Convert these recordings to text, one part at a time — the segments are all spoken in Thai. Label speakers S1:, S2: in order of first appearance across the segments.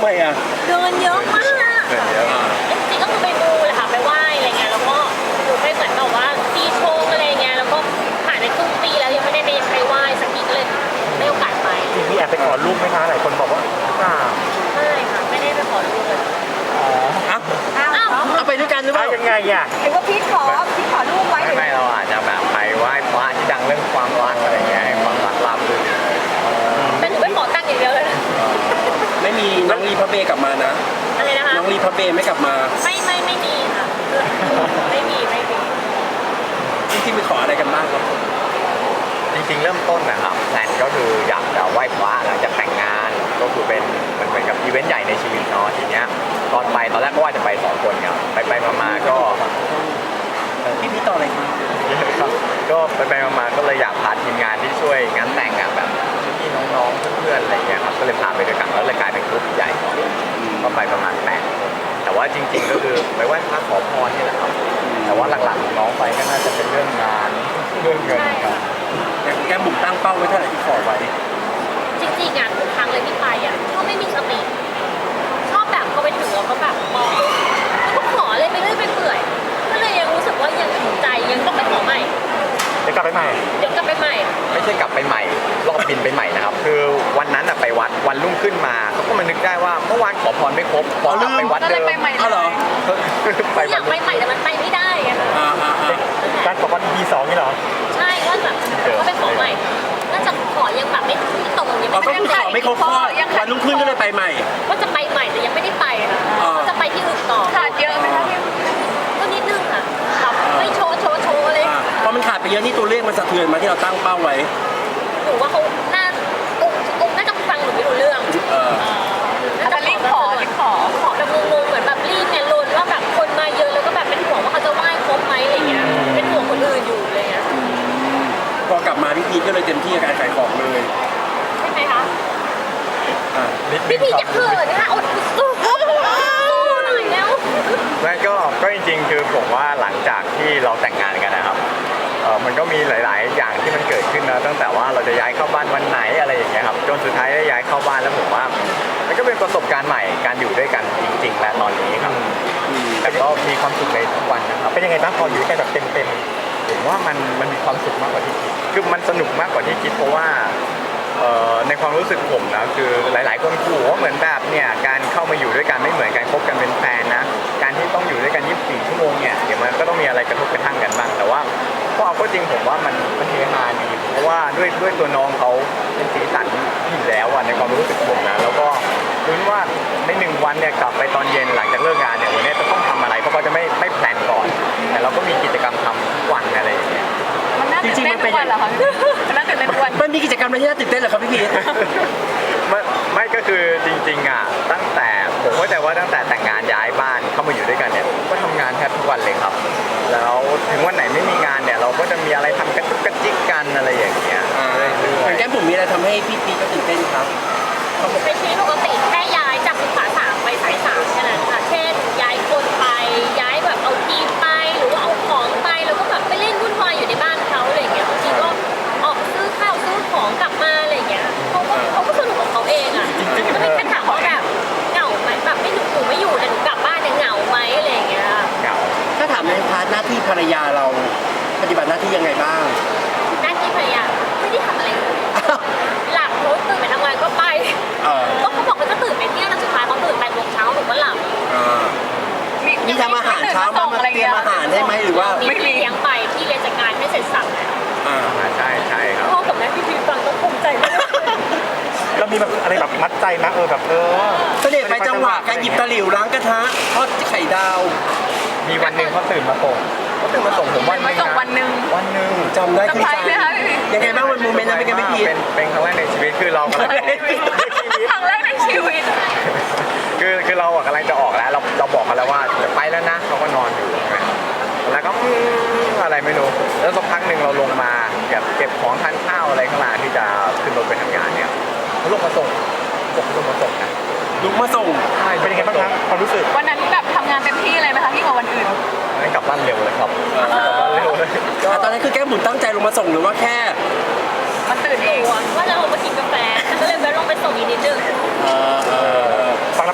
S1: ไมอ่ะ
S2: เดินเยอะมาก
S3: เดินเยอะ
S2: จริงๆก็คือไปมูแหละค่ะไปไหว้อะไรเงี้ยแล้วก็หนูไปเหมือนแบบว่าปีชงอะไรเงี้ยแล้วก็ผ่านไปครึ่งปีแล้วยังไม่ได้ไปไหว้สักทีก็เลยได้โอกาสไป
S4: มีแอบไปขอรูปไหมคะหลายคนบอกว่าอ้าว
S2: ไม่ค่ะไม่ได้ไปขอรูปเลย
S1: อ่ะ
S2: อ้าว
S1: เอาไปด้วยกันหรือเปล่า
S4: ยังไงอ่ะ
S5: หรือว่าพี่ขอรูปไว้
S3: ไม่เราอาจจะแบบไปไหว้พระที่ดังเรื่องความรักอะไรเงี้ยให้ความรักราบรื่น
S2: แต่หนูไปขอตังค์อย่างเดียวเลยนะ
S1: ไม่มีน้องรีพับเบกลับมานะ
S2: อะไรนะคะ
S1: น้องรีพับเบไม่กลับมา
S2: ไม่มีค่ะไม่มี
S1: จริงๆไปขออะไรกันบ้างครับ
S3: จริงๆเริ่มต้นนะครับแพลนก็คืออยากจะไหว้พระหลังจากแต่งงานก็คือเป็นมันเหมือนกับอีเวนต์ใหญ่ในชีวิตเนาะทีเนี้ยตอนแรกก็ว่าจะไป2 คนครับไปมาๆก็
S1: พี่ต่ออะไรครับ
S3: ก็ไปมาๆก็เลยอยากพาทีมงานที่ช่วยงานแต่งแบบพี่น้องๆเพื่อนๆอะไรเงี้ยครับก็เลยพาไปด้วยกันแล้วเลยกลายเป็นกลุ่มใหญ่ก็ไปประมาณ8 คนแต่ว่าจริงๆก็คือไปไหว้พระขอพรนี่แหละครับแต่ว่าหลักๆน้องไปก็น่าจะเป็นเรื่องงานเรื่องเงินครับ
S1: แต่แกบุ๋มตั้งเป้าไว้เท่าไหร่ที่ขอไว้
S2: จริงๆอ่ะทุกครั้งเลยที่ไปอ่ะชอบไม่มีสติชอบแบบพอไปถึงเราก็แบบมองแล้วก็ขอเลยไปเรื่อยไปเปื่อยก็เลยยังรู้สึกว่ายังถูกใจยังต้องไปขอใหม่
S4: เดี๋ยวกลับไปใหม่
S2: เดี๋ยวกลับไปใหม่
S3: ไม่ใช่กลับไปใหม่รอบบินไปใหม่นะครับคือวันนั้นไปวัดวันรุ่งขึ้นมาเขาก็มานึกได้ว่าเมื่อวานขอพรไม่ครบขอกลับไปวัด
S5: ก็
S3: เดิ
S5: เลย
S3: ม
S5: ไปใหม่
S1: เอาเหรอ
S3: ไป
S2: อยากไปใหม่แต่มันไปไม่ได้ไงคะ
S4: การขอวัน B2 นี่เหรอ
S2: ใช่ว่าแบบก็ไปขอใหม่น่าจะขอยังแบบไม่ตรงยัง
S1: อ๋อ
S2: ไม่
S1: ก็คือขอไม่ครบข้อวันรุ่งขึ้นก็เลยไปใหม่
S2: ว่าจะไปใหม่แต่ยังไม่ได้ไปค่ะก็จะไปที่อื่นต่อ
S5: ขาดเยอะไหมคะพี่
S2: ก็นิดนึงค่ะแบบไม่โชว์อะไร
S1: พอมันขาดไปเยอะนี่ตัวเลขมันสะเทือนมาที่เราตั้งเป้าไว้
S2: หนูว่าเขาน่าองค์น่าจะฟังหนูไม่รู้เรื่อง
S5: อาจจะรีบขอ
S2: ขอแบบงงๆเหมือนแบบรีบเนี่ยลนว่าแบบคนมาเยอะแล้วก็แบบเป็นห่วงว่าเขาจะไหว้ครบไหมอะไรเงี้ยเป็นห่วงคนอื่นอยู่อะไรเงี้ย
S1: พอกลับมาพี่พีทก็เลยเต็มที่กับการขายของเลย
S2: ใช่ไหมคะ
S3: นิดนึ
S2: พี่
S3: ง
S2: พี
S3: ค
S2: จะ
S3: รับ
S2: เขินนะคะอดสู้หน่อยแล้ว
S3: ไม่ก็จริงๆคือผมว่าหลังจากที่เราแต่งงานกันนะครับมันก็มีหลายๆ อย่างที่มันเกิดขึ้นนะตั้งแต่ว่าเราจะย้ายเข้าบ้านวันไหนอะไรอย่างเงี้ยครับจนสุดท้ายได้ย้ายเข้าบ้านแล้วผมว่ามันก็เป็นประสบการณ์ใหม่การอยู่ด้วยกันจริงๆและตอนนี้ครับแต่ก็มีความสุขในทุกวันนะครับ
S4: เป็นยังไงบ้างพออยู่ด้วยกันแบบเต็ม
S3: ผมว่ามันมีความสุขมากกว่าที่คิดคือมันสนุกมากกว่าที่คิดเพราะว่าในความรู้สึกผมนะคือหลายๆคนขู่ว่าเหมือนแบบเนี่ยการเข้ามาอยู่ด้วยกันไม่เหมือนการคบกันเป็นแฟนนะการที่ต้องอยู่ด้วยกัน 24 ชั่วโมงเนี่ยเดี๋ยวมันก็ต้องมีอะไรกระทบกระทั่งกันบ้างแต่ว่าก็เอาก็จริงผมว่ามันเฮฮาดีเพราะว่าด้วยตัวน้องเขาเป็นสีสันอยู่แล้วอะในความรู้สึกผมนะแล้วก็รู้ว่าใน1 วันเนี่ยกลับไปตอนเย็นหลังจากเลิกงานเนี่ยวันนี้จะต้องทำอะไรเพราะเขาจะไม่แพลนก่อนแต่เราก็มีกิจกรรมทำทุกวันอะไรอย่างเงี้ย
S5: มันน่าตื่นเต้นทุกวันเหรอคะมันน่าตื่นเต้นทุกวัน
S1: มันมีกิจกรรมอะไรที่น่าตื่นเต้นเหรอครับพี่พีท
S3: ไม่ก็คือจริงๆอ่ะตั้งแต่ผมเข้าใจว่าตั้งแต่แต่งงานย้ายบ้านเข้ามาอยู่ด้วยกันเนี่ยก็ทำงานแทบทุกวันเลยครับ แล้วถึงวันไหนไม่มีงานเนี่ยเราก็จะมีอะไรทำกระจุกกระจิกกันอะไรอย่างเงี้ยเรื่อย
S1: แก้มบุ๋มมีอะไรทำให้พี่พีทก็ตื่นเต้นครับ
S2: เป็นชีวิตปกติแค่ย้ายจากสุขา3ไปสาย3แค่นั้นค่ะ เช่นย้ายคนไปย้ายแบบเอาทีมไปหรือว่าเอาของไปแล้วก็แบบไปเล่นวุ่นวายอยู่ในบ้านเขาอะไรอย่างเงี้ยบางทีก็ออกซื้อข้าวซื้อของกลับมาอะไรอย่างเงี้ยเขาก็สนุกของเขาเองอ่ะก็ไม่แค่ถามว่าแบบเหงาไหมแบบไม่หนูไม่อยู่แต่หนูกลับบ้านเนี่ยเหงาไหมอะไรอย่างเงี้ย
S3: ๆเหงา
S1: ถ้าถามในพาร์ทหน้าที่ภรรยาเราปฏิบัติหน้าที่ยังไงบ้าง
S2: หน้าที่ภรรยาไม่ได้ทำอะไรเลยหลับรถตื่นไปทำงานก็ไป
S1: เออ
S2: ก็เขาบอกเขาจะตื่นไปเที่ยงแล้วสุดท้ายเขาตื่น8 โมงเช้าหนูก็หลับ
S1: มีทำอาหารเช้ามาเตรียมอาหารได้ไหมหรือว่า
S2: มีพี่เลี้ยงไปพี่เลี้ยงจัดการไม่เสร็จสับแล้ว
S3: ใช่ครับ
S2: พ่อกับแม่พี่พีฟังต้องภูมิใจมาก
S4: ๆเรามีแบบอะไรแบบมัดใจนะแบบ
S1: เสด็จไปจังหวะการหยิบตะหลิวล้างกระทะทอดไข่ดาว
S3: มีวันหนึ่งเขาตื่นมาส่งผมวันหนึง
S5: มาส่งวันหนึ่ง
S3: วันหนึ่ง
S1: จำได้
S5: เซอ
S1: ขึ้
S5: ร์
S1: น
S5: ไพร
S1: ใจ
S5: ส์ไหมคะพี่พี
S1: ยังไงบ้างวันโมเมนต์นั้นเป็นไงพี่พีท
S3: เป็นครั้งแรกในชีวิตคือเรากำลัง
S5: ครั้งแรกในชีวิต
S3: คือเราอะกำลังจะออกแล้วเราบอกกันแล้วว่าจะไปแล้วนะเขาก็นอนอยู่ใช่ไหมแล้วก็อะไรไม่รู้แล้วสักพักหนึ่งเราลงมาเก็บของทานข้าวอะไรข้างล่างที่จะขึ้นรถไปทำงานเนี่ยเขาลงมาส่งบอกเขาลงมาส่งนะ
S1: ลุกมาส่ง
S4: เป็นยังไงบ้างครับความรู้สึก
S5: วันนั้นแบบทำงานเต็มที่เลยไหมคะพี่กว่าวันอื่น
S3: ให้กลับบ้านเร็วเลยครับกลับบ้านเร็วเลยก็
S1: ตอนนั้นคือแก้มบุ๋มตั้งใจลงมาส่งหรือว่าแค่
S5: มันตื่นเอง
S2: ว่าจะลงมากินกาแฟก็เลยแวะลงไปส่งอีกนิดนึง
S4: ฟังแล้ว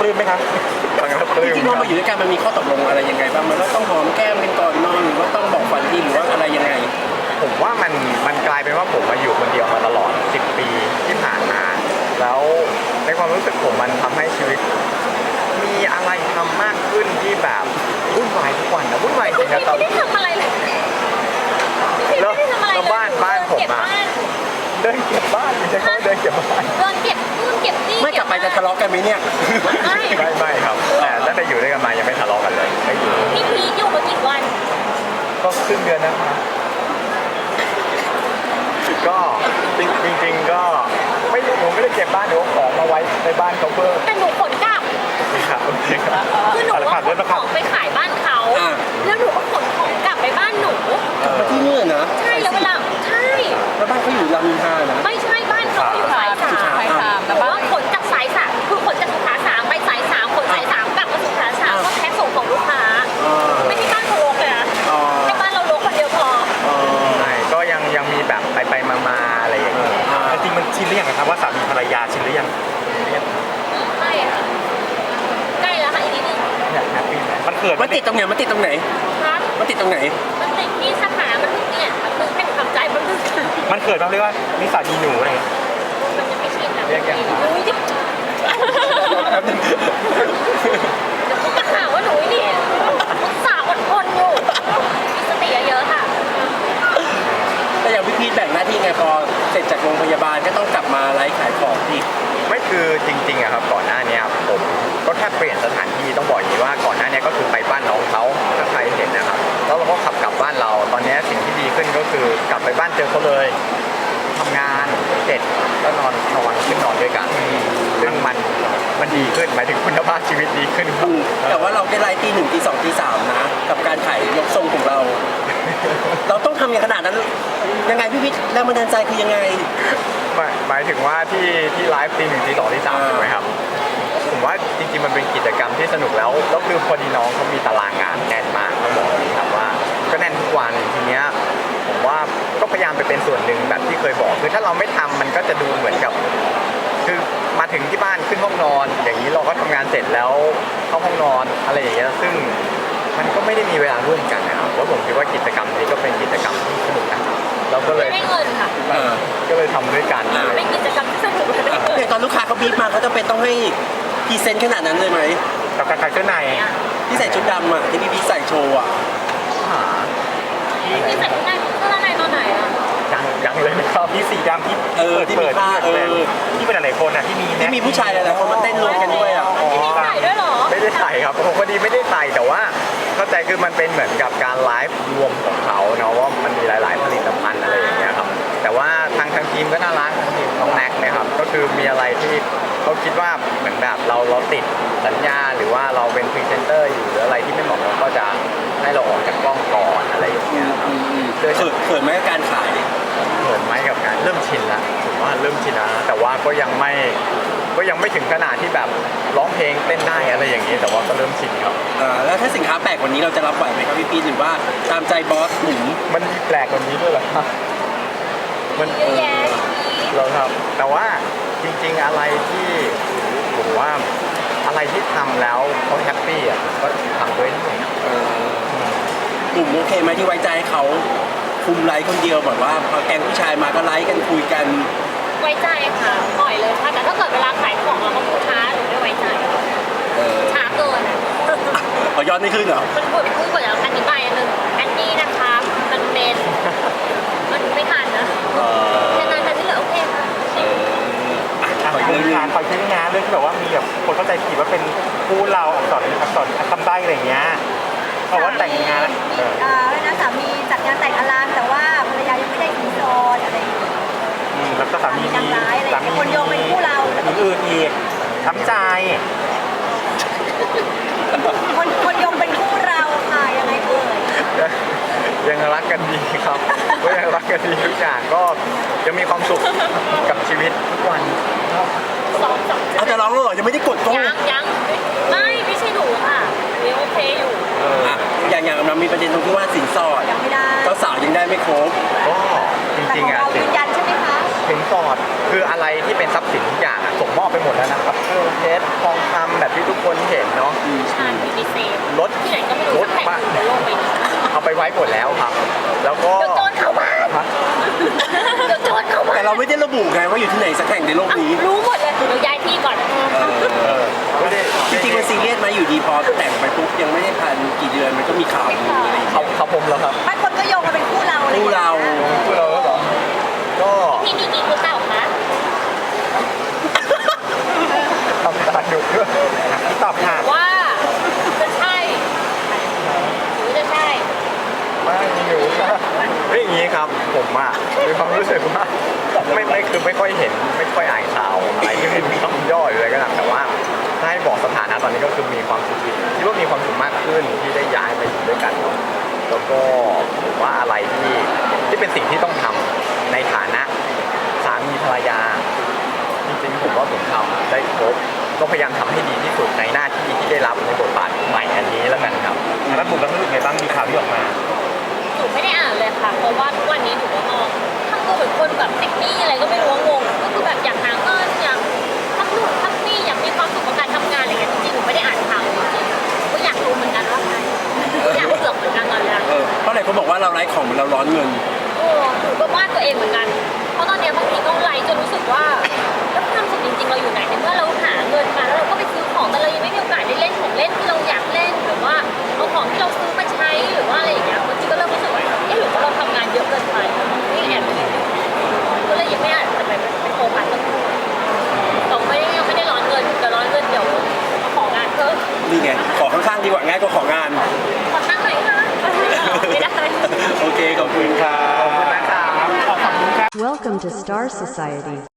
S4: ปลื้มไหมคะ
S3: ฟังแล้วป
S1: จ
S3: ลื้ม
S1: ริงๆเรามาอยู่ด้วยกันมันมีข้อตกลงอะไรยังไงบ้างมันว่าต้องหอมแก้มกันก่อนนอนหรือว่าต้องบอกฝันดีหรือว่าอะไรยังไง
S3: ผมว่ามันกลายเป็นว่าผมมาอยู่คนเดียวมาตลอด10 ปีที่ผ่านมา แล้วในความรู้สึกผมมันทำให้ชีวิต มีอะไรทำมากขึ้นที่แบบวุ่นวายทุกวันนะวุ่นวายจริงนะตอน
S2: ไม่ได้ทำอะไรเลยพี่ไม่ได้ทำอะไรเลย
S3: แล้วบ้านผม
S2: เก็บ
S3: อะ
S2: บ้าน
S3: เดินเก็บบ้านไม่ใช่เขาเดินเก็บบ้าน
S2: เดินเก็บนู่นเก็บนี่
S1: ไม่กลับไปจะทะเลาะกันไหมเนี่ย
S2: ไม่
S3: ไม่ครับแต่ตั้งแต่อยู่ด้วยกันมายังไม่ทะเลาะกันเลยไม่อยู่
S2: พี่พีทอยู่มากี่วัน
S3: ก็ครึ่งเดือนนะครับก็จริงๆก็ไม่ผมไม่ได้เก็บบ้านเดี๋ยวเอาของมาไว้ในบ้านเขาเพิ่ม
S2: แต่หนูขนกลับ
S3: ครับโอเคครับ
S2: คือหนูว่าขนของไปขายบ้านเขา
S1: อ่า
S2: แล้วหนูก็ขนของกลับไปบ้านหนู
S1: กลับมาที่นี่นะ
S2: ใช่แล้วเวลาใช่
S1: แล้วบ้านเขาอยู่รามอินทรานะ
S2: ไม่ใช่บ้านเขาอยู่สายสาม
S5: สายสาม
S2: ห
S5: แต่
S2: นู
S5: บ้า
S2: ว่าน ขนจากสายสามคือขนจากสุขาสามไปสายสามขนสายสามกลับมาสุขาสามก็แพ็คส่งของลูกค้า ไม่ใช่บ้านเขาลกเลยนะ
S1: อ๋อ
S2: ให้บ้านเราลกคนเดียวพอ
S3: ใช่ก็ยังมีแบบไปมาอะไรอย่างเงี้ย
S4: จริงๆมันชินหรือยังครับว่าสามีภรรยาชินหรือยัง
S2: ไม่ค่ะใกล้แล้วค่ะอีกนิดนึง
S3: อยากแฮปปี้ไหม
S4: มันเขิน
S1: มันติดตรงไหนมันติดตรงไหน
S2: ครับ
S1: มันติดตรงไหน
S2: มันติดที่สถามันเนี่ยมันคือให้หนูทำใจมันคือ
S4: มันเขินบ้างเรียกว่านิสัยมีหนูอะไรอย่างเงี้ย
S2: มันจะไม่ชินนะ
S3: เรียกยังไง
S2: อุ้ยเดี๋ยวเขาจะหาว่าหนูนี่สาวอดทนอยู่มีสติเยอะๆค่ะ
S1: แต่อย่างพี่พีทแบ่งหน้าที่ไงพอเสร็จจากโรงพยาบาลก็ต้องกลับมาไลฟ์ขายของที่
S3: ไม่คือจริงๆอะครับก่อนหน้านี้ผมก็แค่เปลี่ยนสถานที่ต้องบอกอย่างนี้ว่าก่อนหน้านี้ก็คือไปบ้านน้องเขาถ้าใครเห็นนะครับแล้วเราก็ขับกลับบ้านเราตอนนี้สิ่งที่ดีขึ้นก็คือกลับไปบ้านเจอเขาเลยทำงานเสร็จแล้วนอนขึ้นนอนด้วยกันซึ่งมันดีขึ้นหมายถึงคุณภาพชีวิตดีขึ้นครับ
S1: แต่ว่าเราได้ไลฟ์ตี 1 ตี 2 ตี 3นะกับการขายยกทรงของเรา เราต้องทำอย่างขนาดนั้นยังไงพี่พีทแรงบันดาลใจคือยังไง
S3: หมายถึงว่าที่ไลฟ์ตี 1 ตี 2 ตี 3ใช่ไหมครับผมว่าจริงๆมันเป็นกิจกรรมที่สนุกแล้วคือพอดีน้องเขามีตารางงานแน่นมากต้องบอกอย่างนี้ครับว่าก็แน่นทุกวันทีเนี้ยผมว่าก็พยายามไปเป็นส่วนหนึ่งแบบที่เคยบอกคือถ้าเราไม่ทำมันก็จะดูเหมือนกับคือมาถึงที่บ้านขึ้นห้องนอน อย่างนี้เราก็ทำงานเสร็จแล้วเข้าห้องนอนอะไรอย่างเงี้ยซึ่งมันก็ไม่ได้มีเวลาร่วมกันนะครับแล้วผมคิดว่ากิจกรรมนี้ก็เป็นกิจกรรมที่สนุกนะเราก็เลย
S2: ไม่ได้เงินค่ะ
S3: ก็เลยทำด้วยกัน
S2: เป็นกิจกรรมที่สนุกและได้เงิน
S1: เนี่ยตอนลูกค้าเขาบีบมาเขาจะเป็นต้องให้พรีเซนต์ขนาดนั้นเลยไหม
S4: กับการขายเสื้อใน
S1: ที่ใส่ชุดดำอ่ะที่พี่พีทใส่โชว์อ่ะ
S3: หา
S2: พี่ใส่ข้างในข้างในตอนไหนอ่ะ
S3: ยังเลยนะครับ
S4: มีสีดำที่
S1: ที่มีผ้า
S4: ที่เป็นหลายๆคนอ่ะที่มี
S1: ที่มีผู้ชายหลายๆคนมาเต้นรวมกันด้วยอ่ะ
S2: พี่มีใส่ด้วยเหรอ
S3: ไม่ได้ใส่ครับผมพอดีไม่ได้ใส่แต่ว่าเข้าใจคือมันเป็นเหมือนกับการไลฟ์รวมของเขาเนาะว่ามันมีหลาย ๆ ผลิตภัณฑ์อะไรอย่างเงี้ยครับแต่ว่าทางทีมก็น่ารักทางทีมน้องแน็กเนะครับก็คือมีอะไรที่เขาคิดว่าเหมือนแบบเราติดสัญญาหรือว่าเราเป็นพรีเซนเตอร์อยู่หรืออะไรที่ไม่เหมาะเราก็จะให้เราออกจากกล้องก่อนอะไรอย่างเงี้ยครับ
S1: เขินไหมกับการขาย
S3: เหมือนไหมกับการเริ่มชินละผมว่าเริ่มชินแล้วนะแต่ว่าก็ยังไม่ถึงขนาดที่แบบร้องเพลงเต้นได้อะไรอย่างนี้แต่ว่าก็เริ่มชินครับ
S1: แล้วถ้าสินค้าแปลกกว่านี้เราจะรับไหวไหมครับพี่พีทหรือว่าตามใจบอสหรือ
S3: มันมีแปลกกว่านี้ด้วยเหรอครับมัน
S2: เยอะแยะ
S3: เราครับแต่ว่าจริงๆอะไรที่ผมว่าอะไรที่ทำแล้วเขาแฮปปี้อ่ะก็ทำด้วยนี่
S1: กลุ่มโอเคไหมที่ไว้ใจให้เขาคุมไลฟ์คนเดียวแบบว่าพอแก๊งผู้ชายมาก็ไลฟ์กันคุยกัน
S2: ไว้ใจค่ะปล่อยเลยค่ะแต่ถ้าเกิดเวลาขายของเราก็พูดช้าหนูไม่ไว้ใจช้าเกินอ่ะ
S1: ขอยอดไม่ขึ้นเหรอ
S2: มันพูดกว่าจะอธิบายอันนึงอันนี้นะคะมันเป็นมันไม่ทันนะแค่นั้นแต่ที่เหลือโอเคค่ะ
S4: ขอยเรื่องงานขอยเรื่องงานเรื่องที่แบบว่ามีแบบคนเข้าใจผิดว่าเป็นคู่เราอักษรคำใบ้อะไรอย่างเงี้ยเพราะว่าแต่งงานแล้ว
S6: นะสามีจัดงานแต่งอลังแต่ว่าภรรยายังไม่ได้สินสอดอะไรอย่างเงี้ย
S4: แล้วก็สามี
S6: นางร้ายอะไรอย่างเงี้ยคนโยงเป็นคู่เราแล้วก็
S4: มีอื่นอีกช้ำใจ
S6: คนโยงเป็นคู่เราค่ะยังไงเอ่ย
S3: ยังรักกันดีครับก็ยังรักกันดีทุกอย่างก็ยังมีความสุขกับชีวิตทุกวัน
S2: สอง
S1: เอาจะร้องแล้วเหรอยังไม่ได้กดกล้อง
S2: ยังไม่ใช่หนูค่ะยังโอเคอยู่
S1: อย่างมันมีประเด็นตรงที่ว่าสินสอด
S6: ยังไม่ได้
S1: เจ้าสาวยังได้ไม่ครบ
S3: ก็จ
S6: แต่
S3: ริ
S6: ข
S3: ง
S6: อง
S3: ๆอ่ะ
S6: เรายืนยันใช่ไหมคะ
S3: สินสอดคืออะไรที่เป็นทรัพย์สินทุกอย่างอะส่งมอบไปหมดแล้วนะครับเครื่องเพชรทองคำแบบที่ทุกคนเห็นเนาะ
S2: ใช่มีดีเซล
S3: รถ
S2: ที่ไหนก็ไม่รู้สักแห่งหนึ่งบนโลกใบนี้
S3: เอาไปไว้หมดแล้วครับ แล้วก็
S2: เดี๋ยวโจรเข้าบ้าน
S3: ฮะ
S2: เดี๋ยวโจรเข้าบ้าน
S1: แต่เราไม่ได้ระบุไงว่าอยู่ที่ไหนสักแห่งในโลกนี้
S2: รู้หมดเลยเดี๋ยวย้ายที่ก่อน
S3: ไม่ได้
S1: จริงๆมันซีเรียสไหมอยู่ดีพอแต่งไปปุ๊บยังไม่ได้พันกี่เดือนมันก็มีข่าวมีอะไรอย่าง
S3: เขา
S1: เงี้ย
S3: เขาผมแล้วครับ
S6: บางคนก็โยงมาเป็นคู่เราอะไรอย่
S1: คู่
S6: งงี้ย
S1: เรา
S3: คือเราแล้วเหรอก็
S2: พี่มีกี่คู่เก่าคะ
S3: ทำตาดุด้วย
S4: ที่ตอบค่ะ
S2: ว่าจะใช่หรือจะใช่
S3: ไม่อยู่ไม่อย่างนี้ครับ ผมอะมีความรู้สึกว่าไม่คือไม่ค่อยเห็นไม่ค่อยอ่านข่าวอะไรที่เป็นคำย่อหรืออะไรก็ตามแต่ว่าถ้าให้บอกสถานะตอนนี้ก็คือมีความสุขคิดว่ามีความสุขมากขึ้นที่ได้ย้ายมาอยู่ด้วยกันเนาะแล้วก็ผมว่าอะไรที่เป็นสิ่งที่ต้องทำในฐานะสามีภรรยา จริงๆผมว่าผมทำได้ครบก็พยายามทำให้ดีที่สุดในหน้าที่ที่ได้รับในบทบาทใหม่อันนี้แล้วกันครับ
S4: แล้วบุ๋มรู้สึกไงบ้างมีข่าวที่ออกมา
S2: หนูไม่ได้อ่านเลยค่ะ เพราะว่าทุกวันนี้หนูก็มองทำตัวเหมือนคนแบบติดหนี้อะไรก็ไม่รู้ว่างงก็คือแบบอยากหาเงินอยากทำนู่นทำนี่อยากมีความสุขกับการทำงานอะไรอย่างเงี้ยจริงๆหนูไม่ได้อ่านข่าวจริงๆก็อยากรู้เหมือนกันว่าใครอยากเสือกเหมือนกันตอนนี้
S1: เพราะหลายคนบอกว่าเราไร้ของเหมือนเราร้อนเงิน
S2: โอ้หนูก็วาดตัวเองเหมือนกัน เพราะตอนเนี้ยบางทีก็ไลฟ์จนรู้สึกว่าแล้วความสุขจริงๆเราอยู่ไหนในเมื่อเราหาเงินมาแล้วเราก็ไปซื้อของแต่เรายังไม่มีโอกาสได้เล่นของเล่นที่เราอยากเล่นหรือว่าเอาของที่เราซื้อมาใช้หรือว่าอะไรอย่างเงี้ยบางทีก็เริ่มรู้สึกว่าเอ๊ะหรือว่าเราทำงานเยอะเกินไปนี่แอบคิดอยู่ก็เลยยังไม่อาจจะไปโฟกัสตรงนี้เรายังไม่ได้ร้อนเงินแต่ร้อนเงินเดี๋ยวเอาของงานเพิ่ม
S1: นี่ไง ขอข้างๆดีกว่าง่ายกว่าของาน
S2: ขอตั้งหน่อยค่ะไม่ได้
S1: โอเค ขอบคุณครับ
S3: ขอบคุณนะครับ
S4: ขอบคุณค่ะ
S7: Welcome to Star Society.